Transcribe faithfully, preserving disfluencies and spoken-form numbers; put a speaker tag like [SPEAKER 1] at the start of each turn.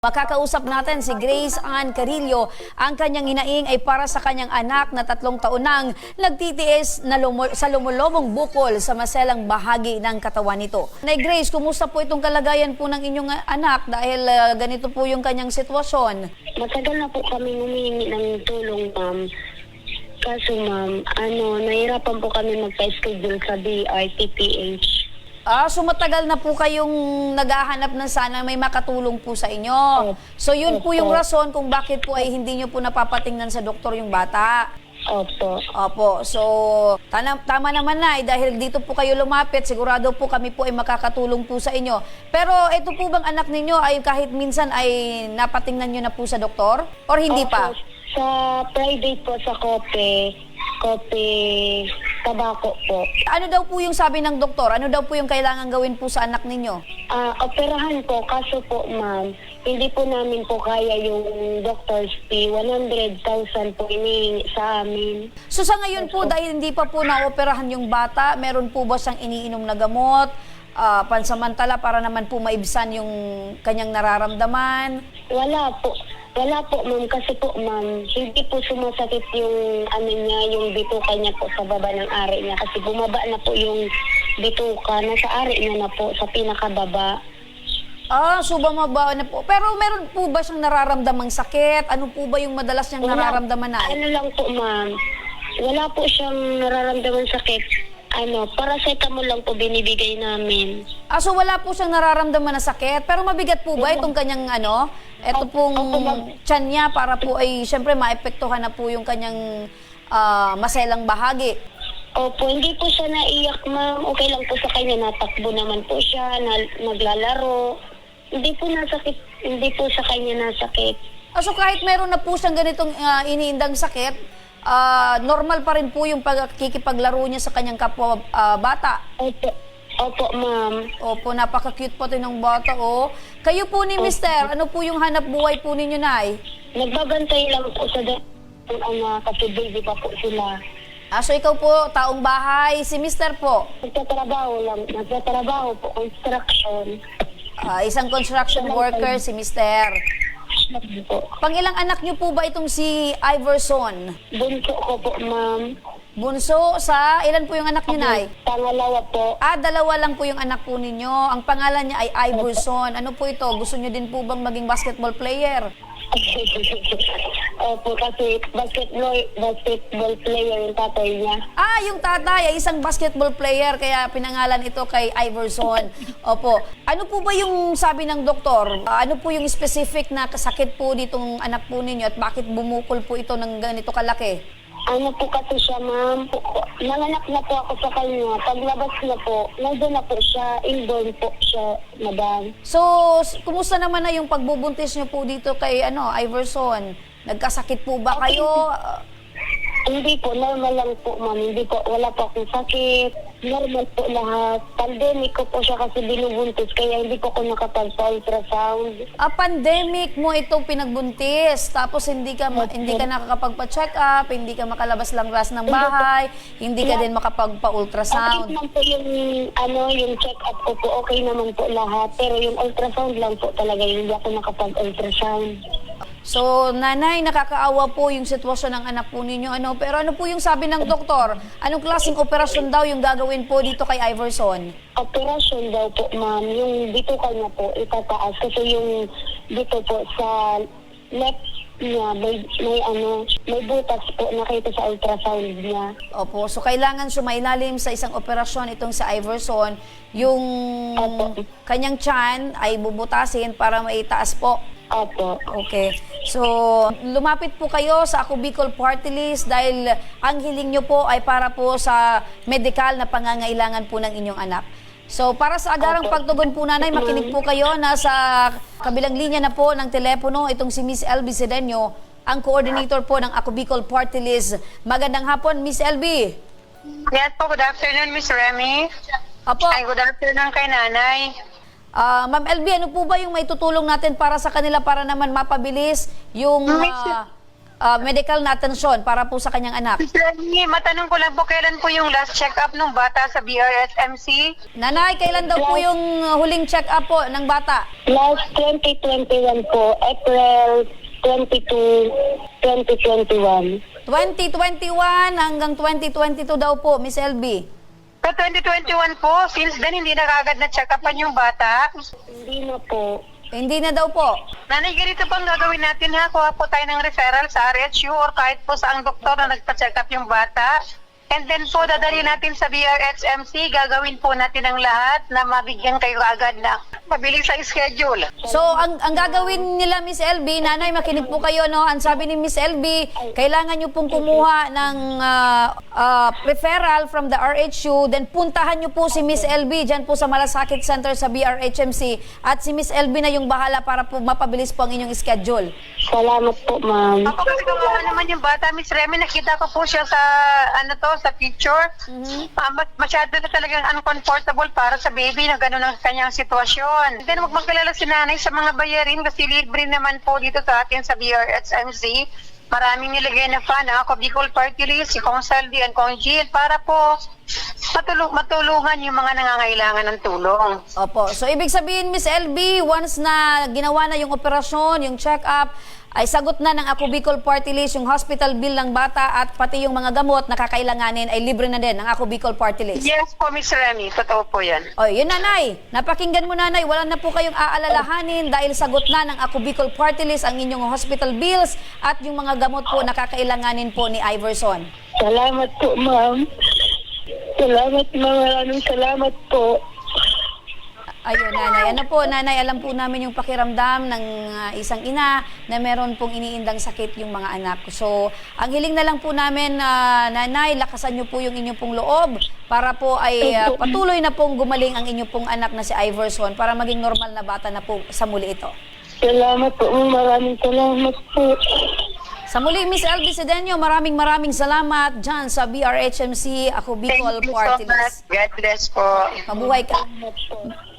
[SPEAKER 1] Makakausap natin si Grace Ann Carillo. Ang kanyang hinaing ay para sa kanyang anak na tatlong taon nang nagtitiis na lumo- sa lumulobong bukol sa maselang bahagi ng katawan nito. Nay Grace, kumusta po itong kalagayan po ng inyong anak dahil uh, ganito po yung kanyang sitwasyon?
[SPEAKER 2] Matagal na po kami humihingi ng tulong, ma'am. Kaso, ma'am, ano, nahirapan po kami magpa-schedule sa D R T P H.
[SPEAKER 1] Ah, so matagal na po kayong naghahanap ng sana may makatulong po sa inyo. So yun po yung rason kung bakit po ay hindi nyo po napapatingnan sa doktor yung bata.
[SPEAKER 2] Opo.
[SPEAKER 1] Opo. So, tama, tama naman na, eh, dahil dito po kayo lumapit, sigurado po kami po ay makakatulong po sa inyo. Pero ito po bang anak ninyo ay kahit minsan ay napatingnan nyo na po sa doktor? Or hindi pa?
[SPEAKER 2] Opo. Sa private po, sa kope, kope, tabako po.
[SPEAKER 1] Ano daw po yung sabi ng doktor? Ano daw po yung kailangan gawin po sa anak ninyo?
[SPEAKER 2] Ah, operahan po, kaso po, ma'am, hindi po namin po kaya yung doctor's fee. one hundred thousand po inihingi sa amin.
[SPEAKER 1] So sa ngayon po, dahil hindi pa po naoperahan yung bata, meron po ba siyang iniinom na gamot, ah, pansamantala para naman po maibsan yung kanyang nararamdaman?
[SPEAKER 2] Wala po. Wala po, ma'am. Kasi po, ma'am, hindi po sumasakit yung ano niya, yung bituka niya po sa baba ng ari niya. Kasi bumaba na po yung bituka. Nasa ari niya na po, sa pinakababa.
[SPEAKER 1] Ah, so bumaba na po. Pero meron po ba siyang nararamdamang sakit? Ano po ba yung madalas niyang
[SPEAKER 2] Wala.
[SPEAKER 1] nararamdaman na?
[SPEAKER 2] Ano lang po, ma'am. Wala po siyang nararamdaman sakit. Ano, paracetamol lang po binibigay namin.
[SPEAKER 1] Ah, so wala po siyang nararamdaman na sakit? Pero mabigat po ba itong kanyang ano? Ito pong tiyan niya para po ay siyempre maepektuhan na po yung kanyang ah, maselang bahagi.
[SPEAKER 2] Opo, hindi po siya naiyak, ma'am. Okay lang po sa kanya. Natakbo naman po siya, na, naglalaro. Hindi po nasakit, hindi po sa kanya nasakit.
[SPEAKER 1] Ah, so kahit meron na po siyang ganitong ah, iniindang sakit, ah, normal pa rin po yung pagkikipaglaro niya sa kanyang kapwa ah, bata.
[SPEAKER 2] Opo, opo, ma'am.
[SPEAKER 1] Opo, napaka-cute po ng bata, oh. Kayo po ni Mister, ano po yung hanap buhay po ninyo, Nay?
[SPEAKER 2] Nagbabantay lang po sa ng anak kasi baby pa po sila.
[SPEAKER 1] Ah, so ikaw po, taong bahay, si Mister po,
[SPEAKER 2] Nagtatrabaho lang, nagtatrabaho po, construction.
[SPEAKER 1] ah, isang construction worker, si Mister.
[SPEAKER 2] Po.
[SPEAKER 1] Pang ilang anak niyo po ba itong si Iverson?
[SPEAKER 2] Bunso ko po, ma'am.
[SPEAKER 1] Bunso sa, ilan po yung anak niyo, Nay?
[SPEAKER 2] Pangalawa po.
[SPEAKER 1] Ah, dalawa lang po yung anak po ninyo. Ang pangalan niya ay Iverson. Ano po ito? Gusto niyo din po bang maging basketball player?
[SPEAKER 2] Opo, kasi basketball, basketball player yung tatay niya.
[SPEAKER 1] Ah, yung tatay ay isang basketball player kaya pinangalan ito kay Iverson. Opo. Ano po ba yung sabi ng doktor? Ah, ano po yung specific na kasakit po nitong anak po ninyo at bakit bumukol po ito ng ganito kalaki?
[SPEAKER 2] Ano po kasi siya, ma'am? Nanganak na po ako sa kanya. Paglabas na po, nandun na po siya. Inborn po siya, madam.
[SPEAKER 1] So, s- kumusta naman na yung pagbubuntis niyo po dito kay ano, Iverson? Nagkasakit po ba kayo? Ah,
[SPEAKER 2] Hindi po, normal lang po, ma'am. Hindi po, wala po akong sakit. Normal po lahat. Pandemic ko po siya kasi binubuntis, kaya hindi po ako nakapagpa-ultrasound.
[SPEAKER 1] ah, pandemic mo itong pinagbuntis, tapos hindi ka ma- hindi ka nakakapagpa-check up, hindi ka makalabas lang ras ng bahay, hindi ka din
[SPEAKER 2] Okay
[SPEAKER 1] makapagpa-ultrasound.
[SPEAKER 2] naman po yung, ano, yung check-up ko po, okay naman po lahat. Pero yung ultrasound lang po talaga, yung hindi ako nakapag-ultrasound.
[SPEAKER 1] So, nanay, nakakaawa po yung sitwasyon ng anak po ninyo. Ano, pero ano po yung sabi ng doktor? Anong klaseng operasyon daw yung gagawin po dito kay Iverson?
[SPEAKER 2] Operasyon daw po, ma'am. Yung dito kanya po, itataas. Kasi yung dito po sa left niya, may, may ano, may butas po nakita sa ultrasound niya.
[SPEAKER 1] Opo, so kailangan sumailalim sa isang operasyon itong si Iverson. Yung
[SPEAKER 2] Opo.
[SPEAKER 1] kanyang tiyan ay bubutasin para maitaas po.
[SPEAKER 2] Opo.
[SPEAKER 1] Okay. So, lumapit po kayo sa Ako Bicol Party List dahil ang hiling nyo po ay para po sa medical na pangangailangan po ng inyong anak. So, para sa agarang
[SPEAKER 2] Opo.
[SPEAKER 1] pagtugon po, nanay, makinig po kayo. Nasa kabilang linya na po ng telepono itong si Miss Elby Sedeño, ang coordinator po ng Ako Bicol Party List. Magandang hapon, Miss Elby.
[SPEAKER 3] Yes po, good afternoon, Miss Remy.
[SPEAKER 1] Apo,
[SPEAKER 3] Ay, good afternoon kay nanay.
[SPEAKER 1] ah, Ma'am Elby, ano po ba yung may tutulong natin para sa kanila para naman mapabilis yung
[SPEAKER 3] Miss-
[SPEAKER 1] ah, ah, medical na atensyon para po sa kanyang anak.
[SPEAKER 3] Miss Remy, matanong ko lang po, kailan po yung last check-up ng bata sa B R S M C?
[SPEAKER 1] Nanay, kailan daw po yung huling check-up po ng bata?
[SPEAKER 2] Last twenty twenty-one po, April twenty-two, twenty twenty-one.
[SPEAKER 1] twenty twenty-one hanggang twenty twenty-two daw po, Miss L B.
[SPEAKER 3] Sa twenty twenty-one po, since then hindi na kagad na check-upan yung bata.
[SPEAKER 2] Hindi na po.
[SPEAKER 1] Hindi na daw po.
[SPEAKER 3] Nanay, ganito pang gagawin natin ha. Kuha po tayo ng referral sa R H U or kahit po sa ang doktor na nagpa-check up yung bata. And then po, dadali natin sa B R S M C. Gagawin po natin ang lahat na mabigyan kayo agad na mabilis sa schedule.
[SPEAKER 1] So, ang, ang gagawin nila, Miss L B, nanay, makinig po kayo, no? Ang sabi ni Miss L B, kailangan nyo pong kumuha ng ah, ah, referral from the R H U, then puntahan nyo po si Miss L B dyan po sa Malasakit Center sa B R H M C, at si Miss L B na yung bahala para po mapabilis po ang inyong schedule.
[SPEAKER 2] Salamat po, ma'am.
[SPEAKER 3] Ako kasi kumuha naman yung bata, Miss Remy, nakita ko po siya sa, ano to, sa picture. Ah, mas- masyado na talagang uncomfortable para sa baby na gano'n ang kanyang sitwasyon. Then huwag magkalala si nanay sa mga bayarin kasi libre naman po dito sa atin sa B R S M C. Maraming nilagay na fan, ako Bicol Party List, si Kong Saldi and Kong Jill para po matulung matulungan yung mga nangangailangan ng tulong.
[SPEAKER 1] Opo. So, ibig sabihin, Miss L B, once na ginawa na yung operasyon, yung check-up, ay sagot na ng Ako Bicol Party List yung hospital bill ng bata at pati yung mga gamot na kakailanganin ay libre na din ng Ako Bicol Party List.
[SPEAKER 3] Yes po, Miss Remy. Totoo po yan.
[SPEAKER 1] O, yun nanay. Napakinggan mo nanay. Wala na po kayong aalalahanin dahil sagot na ng Ako Bicol Party List ang inyong hospital bills at yung mga gamot po na kakailanganin po ni Iverson.
[SPEAKER 2] Salamat po, ma'am. Salamat, ma'am. Maraming salamat po.
[SPEAKER 1] Ayun, nanay. Ano po, nanay, alam po namin yung pakiramdam ng ah, isang ina na meron pong iniindang sakit yung mga anak. So, ang hiling na lang po namin, ah, nanay, lakasan niyo po yung inyong pong loob para po ay ah, patuloy na pong gumaling ang inyong pong anak na si Iverson para maging normal na bata na po sa muli ito.
[SPEAKER 2] Salamat po, ma'am. Maraming salamat po.
[SPEAKER 1] Sa muli, Miss L B Sedeño, maraming maraming salamat dyan sa B R H M C Ako Bicol
[SPEAKER 3] Thank you so
[SPEAKER 1] Party
[SPEAKER 3] much.
[SPEAKER 1] List.
[SPEAKER 3] God bless po.
[SPEAKER 1] Mabuhay ka.
[SPEAKER 2] Salamat po.